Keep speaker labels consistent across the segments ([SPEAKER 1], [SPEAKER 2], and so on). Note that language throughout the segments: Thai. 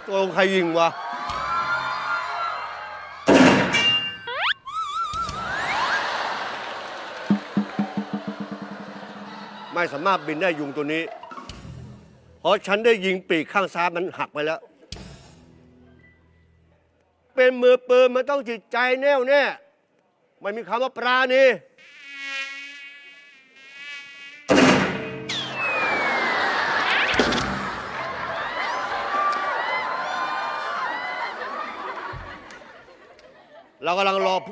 [SPEAKER 1] ตัวใครยิงวะไม่สามารถบินได้ยุงตัวนี้เพราะฉันได้ยิงปีกข้างซ้ายมันหักไปแล้วเป็นมือปืนมันต้องจิตใจแน่วแน่ไม่มีคำว่าปราณีเรากำลังรอ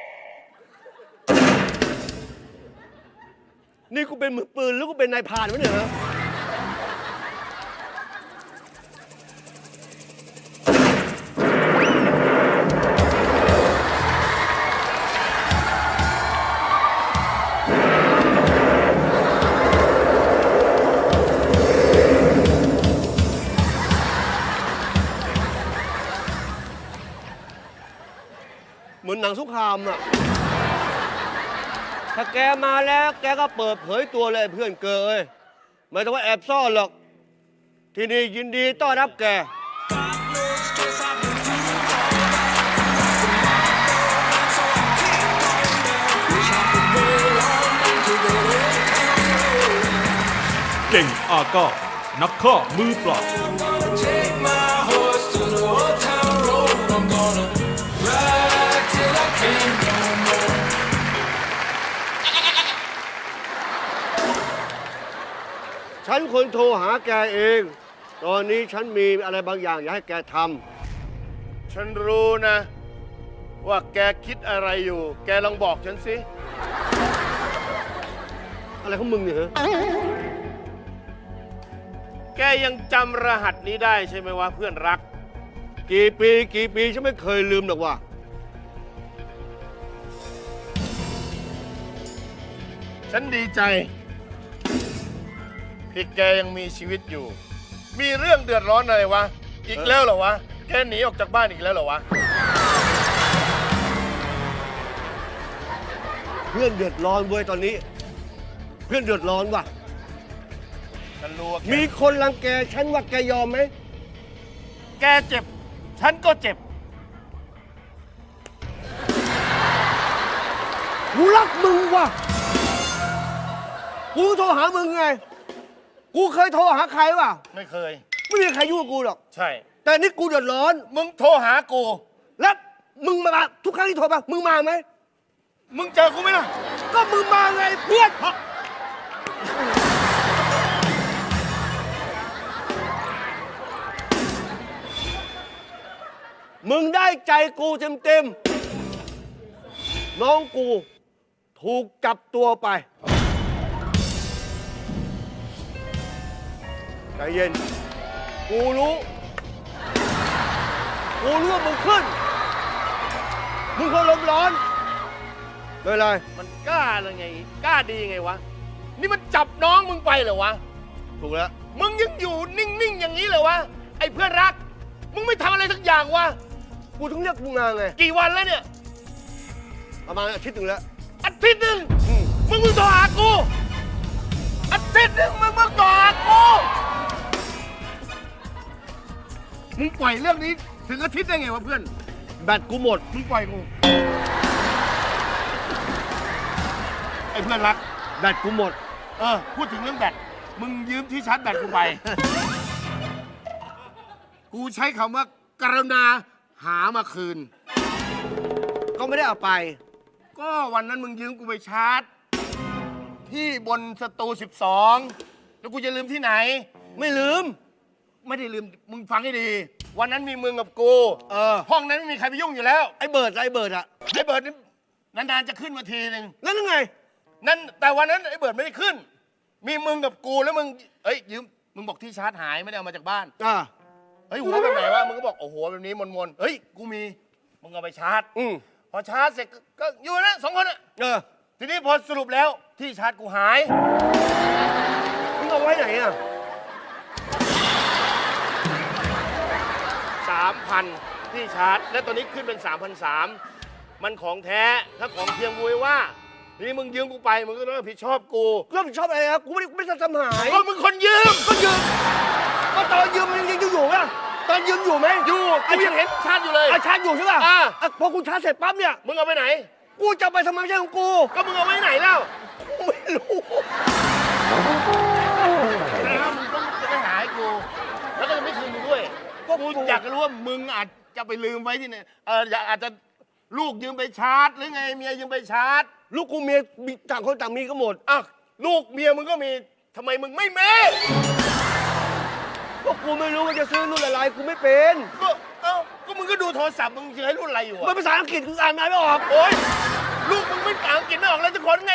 [SPEAKER 1] นี่กูเป็นมือปืนหรือกูเป็นนายพรานวะเนี่ยฮะเหมือนหนังสงครามอะถ้าแกมาแล้วแกก็เปิดเผยตัวเลยเพื่อนเกยไม่ต้องว่าแอบซ่อนหรอกที่นี่ยินดีต้อนรับแก
[SPEAKER 2] เก่งอาก้านักฆ่ามือเปล่า
[SPEAKER 1] ฉันคนโทรหาแกเองตอนนี้ฉันมีอะไรบางอย่างอยากให้แกทำ
[SPEAKER 3] ฉันรู้นะว่าแกคิดอะไรอยู่แกลองบอกฉันสิ
[SPEAKER 1] อะไรของมึงเนี่ยฮะ
[SPEAKER 3] แกยังจำรหัสนี้ได้ใช่ไหมวะเพื่อนรัก
[SPEAKER 1] กี่ปีฉันไม่เคยลืมหรอกว่า
[SPEAKER 3] ฉันดีใจที่แกยังมีชีวิตอยู่มีเรื่องเดือดร้อนอะไรวะอีกแล้วเหรอวะแกหนีออกจากบ้านอีกแล้วเหรอวะ
[SPEAKER 1] เพื่อนเดือดร้อนเว้ยตอนนี้เพื่อนเดือดร้อนว่ะ
[SPEAKER 3] ฉันรู้ว่า
[SPEAKER 1] มีคนรังแกฉันว่าแกยอมไหม
[SPEAKER 3] แกเจ็บฉันก็เจ็บ
[SPEAKER 1] กูรักมึงว่ะกูโทรหามึงไงกูเคยโทรหาใครวะ
[SPEAKER 3] ไม่เคย
[SPEAKER 1] ไม่มีใครยุ่งกับกูหรอก
[SPEAKER 3] ใช่
[SPEAKER 1] แต่นี่กูเดือดร้อน
[SPEAKER 3] มึงโทรหากู
[SPEAKER 1] แล้วมึงมาทุกครั้งที่โทรมามึงมาไหม
[SPEAKER 3] มึงเจอกูไหมล่ะ
[SPEAKER 1] ก็มึงมาไงเพื่อนมึงได้ใจกูเต็มน้องกูถูกจับตัวไปใจเย็นกูรู้ว่ามึงขึ้นมึงคนลมร้อนไม่เป็นไร
[SPEAKER 3] มันกล้าเลยไงกล้าดีไงวะนี่มันจับน้องมึงไปเหรอวะ
[SPEAKER 1] ถูกแล้ว
[SPEAKER 3] มึงยังอยู่นิ่งๆอย่างนี้เหรอวะไอ้เพื่อนรักมึงไม่ทำอะไรสักอย่างวะ
[SPEAKER 1] กูถึงเรียกมึงมาไง
[SPEAKER 3] กี่วันแล้วเนี่ย
[SPEAKER 1] ประมาณอาทิตย์หนึ่งแล้ว
[SPEAKER 3] อาทิตย์หนึ่งมึงโทรหากูอาทิตย์หนึ่งมึงโทรหากูมึงปล่อยเรื่องนี้ถึงอาทิตย์ได้ไงวะเพื่อน
[SPEAKER 1] แบตกูหมด
[SPEAKER 3] มึงปล่อยกูไอ้เพื่อนรัก
[SPEAKER 1] แบตกูหมด
[SPEAKER 3] พูดถึงเรื่องแบตมึงยืมที่ชาร์จแบตกูไปกูใช้คำว่ากรุณาหามาคืน
[SPEAKER 1] ก็ไม่ได้เอาไป
[SPEAKER 3] ก็วันนั้นมึงยืมกูไปชาร์จที่บนสตู12แล้วกูจะลืมที่ไหน
[SPEAKER 1] ไม่ลืม
[SPEAKER 3] ไม่ได้ลืมมึงฟังให้ดีวันนั้นมีมึงกับกูห้องนั้นไม่มีใครไปยุ่งอยู่แล้ว
[SPEAKER 1] ไอ้เบิร์ดอะ
[SPEAKER 3] ไอ้เบิร์ดนี่นานๆจะขึ้นมาทีนึง
[SPEAKER 1] นั่นไง
[SPEAKER 3] นั่นแต่วันนั้นไอ้เบิร์ดไม่ได้ขึ้นมีมึงกับกูแล้วมึงยืมมึงบอกที่ชาร์จหายไม่ได้เอามาจากบ้านหัวแบบไหนวะมึงก็บอกโอ้โหแบบนี้มนกูมีมึงเอาไปชาร์จพอชาร์จเสร็จก็อยู่นะ2 คนทีนี้พอสรุปแล้วที่ชาร์จกูหาย
[SPEAKER 1] มึงเอาไว้ไหนอะ
[SPEAKER 3] 3,000ที่ชาร์จและตอนนี้ขึ้นเป็น 3,300 มันของแท้ถ้าของเทียมกูว่านี่มึงยืมกูไปมึงก็ต้องรับผิดชอบกู
[SPEAKER 1] รับผิดชอบอะไรครับกูไม่ได้ทำหาย
[SPEAKER 3] ก็มึงคนยืม
[SPEAKER 1] ก็ตอนยืมมันยังอยู่อะตอนยืมอยู่ไหม
[SPEAKER 3] อยู่กูยังเห็นชาร์จอยู่เลย
[SPEAKER 1] ชาร์จอยู่ใช่ป่ะพอกูชาร์จเสร็จปั๊บเนี่ย
[SPEAKER 3] มึงเอาไปไหน
[SPEAKER 1] กูจะไปทำไมไม่ใช่ของกู
[SPEAKER 3] ก็มึงเอาไว้ไหนแล้ว
[SPEAKER 1] ไม่รู้
[SPEAKER 3] แล้วมึงก็จะไปหาให้กู แล้วก็จะไม่คืนมึงด้วยก็กูอยากจะรู้ว่ามึงอาจจะไปลืมไว้ที่ไหนอาจจะลูกยืมไปชาร์จหรือไงเมียยืมไปชาร์จ
[SPEAKER 1] ลูกกูเมียมีต่างคนต่างมีก็หมด
[SPEAKER 3] อ่ะลูกเมียมึงก็มีทำไมมึงไม่มี
[SPEAKER 1] ก็กูไม่รู้ว่าจะซื้อรุ่นอะไรกูไม่เป็น
[SPEAKER 3] ก็มึงก็ดูโทรศัพท์มึงจะให้รุ่นอะไรอยู่
[SPEAKER 1] มัน
[SPEAKER 3] อะ
[SPEAKER 1] ภาษาอังกฤษกูอ่านไม่ออก
[SPEAKER 3] โอ๊ยลูกมึงไม่อ่านอังกฤษไม่ออกแล้วจะคนไง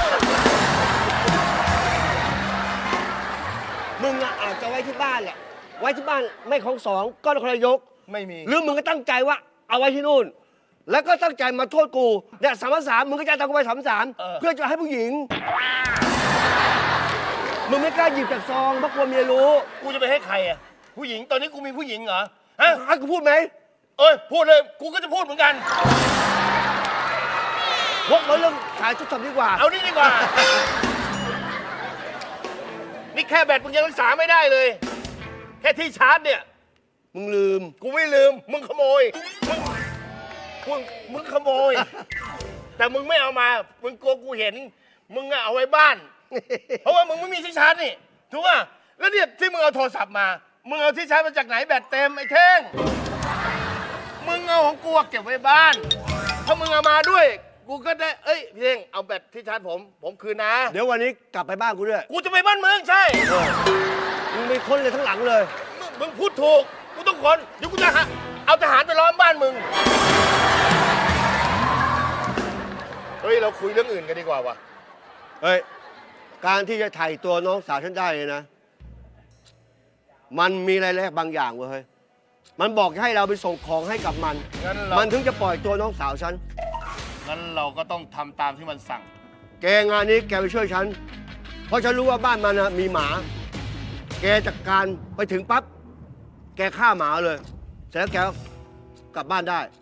[SPEAKER 1] มึงอะอาจจะไว้ที่บ้านแหละ ไว้ที่บ้านไม่ของสองก็นครนายก
[SPEAKER 3] ไม่มี
[SPEAKER 1] หรือมึงก็ตั้งใจว่าเอาไว้ที่นู่น แล้วก็ตั้งใจมาโทษกูเนี่ย3,300มึงก็จะเอากูไป3,300เพื่อจะให้ผู้หญิง มึงไม่กล้าหยิบจากซองเพราะกลัวเมียรู้
[SPEAKER 3] กูจะไปให้ใครอ่ะผู้หญิงตอนนี้กูมีผู้หญิงเหรอฮะ
[SPEAKER 1] ให้กูพูดไหม
[SPEAKER 3] เอ้ยพูดเลยกูก็จะพูดเหมือนกัน
[SPEAKER 1] วกมาเรื่องขายชุดทำดีกว่า
[SPEAKER 3] เอานี่ดีกว่า นี่แค่แบตมึงยังรักษาไม่ได้เลย แค่ที่ชาร์จเนี่ย
[SPEAKER 1] มึงลืม
[SPEAKER 3] กูไม่ลืมมึงขโมยมึงขโมย แต่มึงไม่เอามามึงกลัวกูเห็น มึงอะเอาไว้บ้าน เพราะว่ามึงไม่มีที่ชาร์จนี่ถูกป่ะแล้วเนี่ยที่มึงเอาโทรศัพท์มามึงเอาที่ชาร์จมาจากไหนแบตเต็มไอ้เท่งมึงเอาของกูเก็บไว้บ้านถ้ามึงเอามาด้วยกูก็ได้เอ้ยพี่เท่งเอาแบตที่ชาร์จผมคืนนะ
[SPEAKER 1] เดี๋ยววันนี้กลับไปบ้านกูด้วย
[SPEAKER 3] กูจะไปบ้านมึงใช่
[SPEAKER 1] มึงไปค้นเลยทั้งหลังเลย
[SPEAKER 3] มึงพูดถูกกูต้องคนเดี๋ยวกูจะเอาทหารไปล้อมบ้านมึงเฮ้ยเราคุยเรื่องอื่นกันดีกว่าวะ
[SPEAKER 1] เฮ้ย การที่จะไถ่ตัวน้องสาวฉันได้เลยนะ มันมีอะไรแลกบางอย่างเว้ยเฮ้ย มันบอกให้เราไปส่งของให้กับมัน มันถึงจะปล่อยตัวน้องสาวฉัน
[SPEAKER 3] งั้นเราก็ต้องทำตามที่มันสั่ง
[SPEAKER 1] แกงานนี้แกไปช่วยฉัน เพราะฉันรู้ว่าบ้านมันนะมีหมา แกจัดการไปถึงปั๊บ แกฆ่าหมาเลย เสร็จแล้วแกก็กลับบ้านได้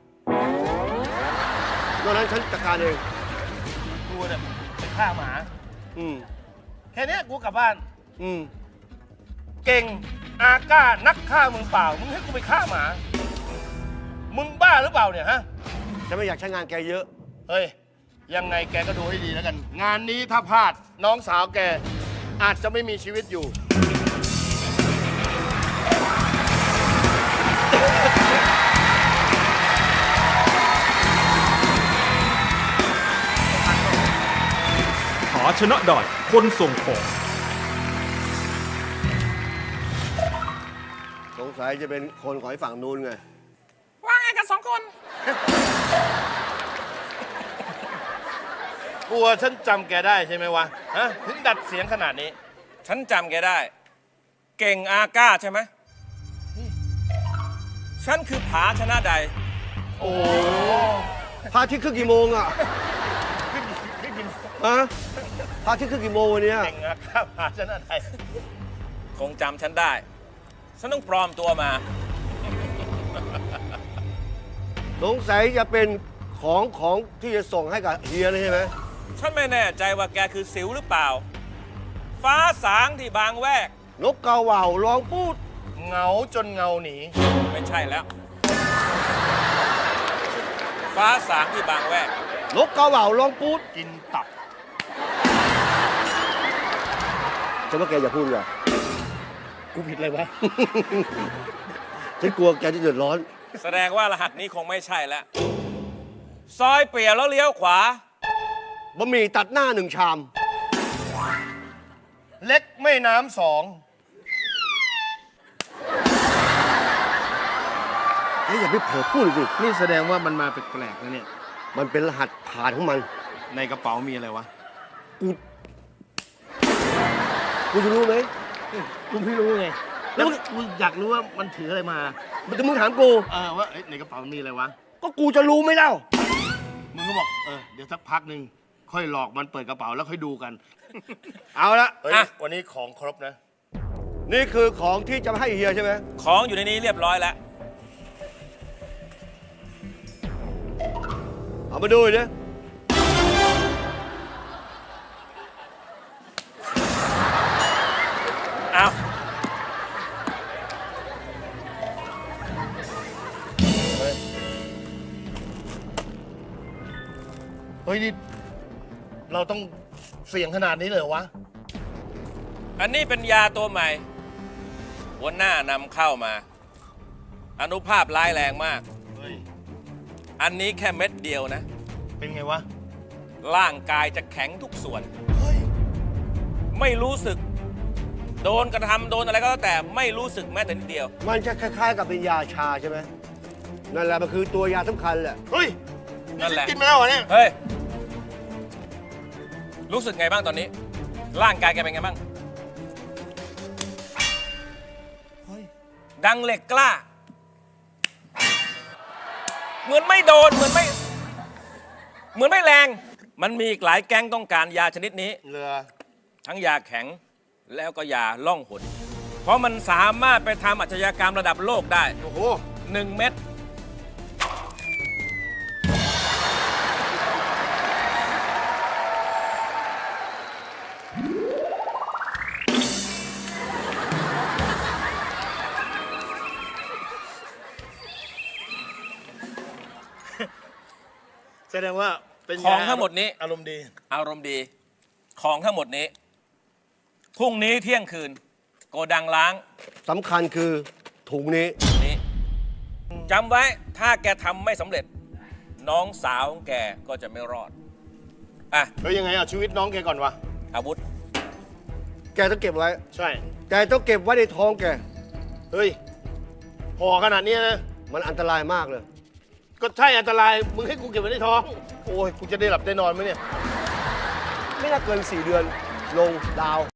[SPEAKER 1] นอกนั้นฉันจัดการเอง
[SPEAKER 3] กูเนี่ยไปฆ่าหมา
[SPEAKER 1] อืม
[SPEAKER 3] แค่เนี้ยกูกลับบ้าน
[SPEAKER 1] อืม
[SPEAKER 3] เก่งอาก้านักฆ่ามึงเปล่า มึงให้กูไปฆ่าหมา มึงบ้าหรือเปล่าเนี่ยฮะ
[SPEAKER 1] ฉันไม่อยากใช้งานแกเยอะ
[SPEAKER 3] เฮ้ย ยังไงแกก็ดูให้ดีแล้วกัน งานนี้ถ้าพลาดน้องสาวแกอาจจะไม่มีชีวิตอยู่
[SPEAKER 2] หาชนะได้คนส่งของ
[SPEAKER 1] สงสัยจะเป็นคนของไอ้ฝั่งนู้นไง
[SPEAKER 4] ว่าไงกัน2 คน
[SPEAKER 3] กลัวฉันจำแกได้ใช่ไหมวะ ฮะ ถึงดัดเสียงขนาดนี้
[SPEAKER 4] ฉันจำแกได้ เก่งอาก้าใช่ไหม ฉันคือผาชนะใด
[SPEAKER 1] โอ้พระอาทิตย์ขึ้นกี่โมงอ่ะฮะพระอาทิตย์ขึ้นกี่โมงวันเนี้ย
[SPEAKER 3] เก่งอาก้าพาชนะไทย
[SPEAKER 4] คงจำฉันได้ ฉันต้องปลอมตัวมา
[SPEAKER 1] สงสัยจะเป็นของที่จะส่งให้กับเฮียเลยใช่ไหม
[SPEAKER 4] ฉันไม่แน่ใจว่าแกคือสิวหรือเปล่า ฟ้าสางที่บางแวก
[SPEAKER 1] นกกาเหว่าร้องปูด
[SPEAKER 3] เหงาจนเงาหนี
[SPEAKER 4] ไม่ใช่แล้ว ฟ้าสางที่บางแวก
[SPEAKER 1] นกกาเหว่าร้องปูด
[SPEAKER 3] กินตับ
[SPEAKER 1] ฉันว่าแกอย่าพูดเลย
[SPEAKER 3] กูผิดเลยวะ
[SPEAKER 1] ฉันกลัวแกจะเดือดร้อน
[SPEAKER 4] แสดงว่ารหัสนี้คงไม่ใช่แล้ว ซอยเปลี่ยวแล้วเลี้ยวขวา
[SPEAKER 1] บะหมี่ตัดหน้า1 ชาม
[SPEAKER 3] เล็กไม่น้ำ2
[SPEAKER 1] เฮ้ยอย่าไปเผลอพูดสิ
[SPEAKER 3] นี่แสดงว่ามันมาแปลกๆนะเนี่ย
[SPEAKER 1] มันเป็นรหัสผ่านของมัน
[SPEAKER 3] ในกระเป๋ามีอะไรวะ
[SPEAKER 1] กูจะรู้ไหม
[SPEAKER 3] กูไม่รู้ไง แล้วกูอยากรู้ว่ามันถืออะไรมา
[SPEAKER 1] มันจะมึงถามกู
[SPEAKER 3] ว่าเอ้ยในกระเป๋ามีอะไรวะ
[SPEAKER 1] ก็กูจะรู้ไหมเล่า
[SPEAKER 3] มึงก็บอกเดี๋ยวสักพักหนึ่งค่อยหลอกมันเปิดกระเป๋าแล้วค่อยดูกัน
[SPEAKER 1] เอาละ
[SPEAKER 3] เฮ้ย
[SPEAKER 4] อ่ะ
[SPEAKER 3] วันนี้ของครบนะ
[SPEAKER 1] นี่คือของที่จะให้เฮียใช่ไหม
[SPEAKER 4] ของอยู่ในนี้เรียบร้อยแล้ว
[SPEAKER 1] เอามาดูดิ
[SPEAKER 4] เอา
[SPEAKER 3] เฮ้ยนี่เราต้องเสี่ยงขนาดนี้เลยเหรอวะ
[SPEAKER 4] อันนี้เป็นยาตัวใหม่ หัวหน้านำเข้ามา อนุภาพร้ายแรงมาก
[SPEAKER 3] เฮ้ย
[SPEAKER 4] อันนี้แค่เม็ดเดียวนะ
[SPEAKER 3] เป็นไงวะ
[SPEAKER 4] ร่างกายจะแข็งทุกส่วน
[SPEAKER 3] เฮ้ย
[SPEAKER 4] ไม่รู้สึก โดนกระทำโดนอะไรก็แล้วแต่ไม่รู้สึกแม้แต่นิดเดียว
[SPEAKER 1] มันจะคล้ายๆกับเป็นยาชาใช่ไหมนั่นแหละมันคือตัวยาสำคัญแหละ
[SPEAKER 3] เฮ้ย
[SPEAKER 4] นั่นแหละ
[SPEAKER 3] กินมาแล้วเหรอเนี่ย
[SPEAKER 4] เฮ้ย รู้สึกไงบ้างตอนนี้ ร่างกายแกเป็นไงบ้าง
[SPEAKER 3] เฮ้ย
[SPEAKER 4] ดังเหล็กกล้า เหมือนไม่โดน เหมือนไม่แรง มันมีอีกหลายแก๊งต้องการยาชนิดนี้
[SPEAKER 3] เรือ
[SPEAKER 4] ทั้งยาแข็งแล้วก็ยาล่องหน เพราะมันสามารถไปทำอาชญากรรมระดับโลกได้
[SPEAKER 3] โอ้โห
[SPEAKER 4] 1 เม็ด
[SPEAKER 3] แสดงว่าเป็น
[SPEAKER 4] ของทั้งหมดนี้
[SPEAKER 3] อารมณ์ดี
[SPEAKER 4] อารมณ์ดี ของทั้งหมดนี้ พรุ่งนี้เที่ยงคืน โกดังล้าง
[SPEAKER 1] สำคัญคือถุงนี้
[SPEAKER 4] นี้จำไว้ถ้าแกทำไม่สำเร็จ น้องสาวของแกก็จะไม่รอด อ่ะ
[SPEAKER 3] เฮ้ยยังไงเอาชีวิตน้องแกก่อนวะ
[SPEAKER 4] อาวุธ
[SPEAKER 1] แกต้องเก็บไว้
[SPEAKER 3] ใช่
[SPEAKER 1] แกต้องเก็บไว้ในท้องแก
[SPEAKER 3] เฮ้ยห่อขนาดเนี้ยนะ
[SPEAKER 1] มันอันตรายมากเลย
[SPEAKER 3] ก็ใช่อันตราย มึงให้กูเก็บไว้ในท้อง โอ้ย กูจะได้หลับได้นอนไหมเนี่ย
[SPEAKER 1] ไม่น่าเกิน 4 เดือน ลงดาว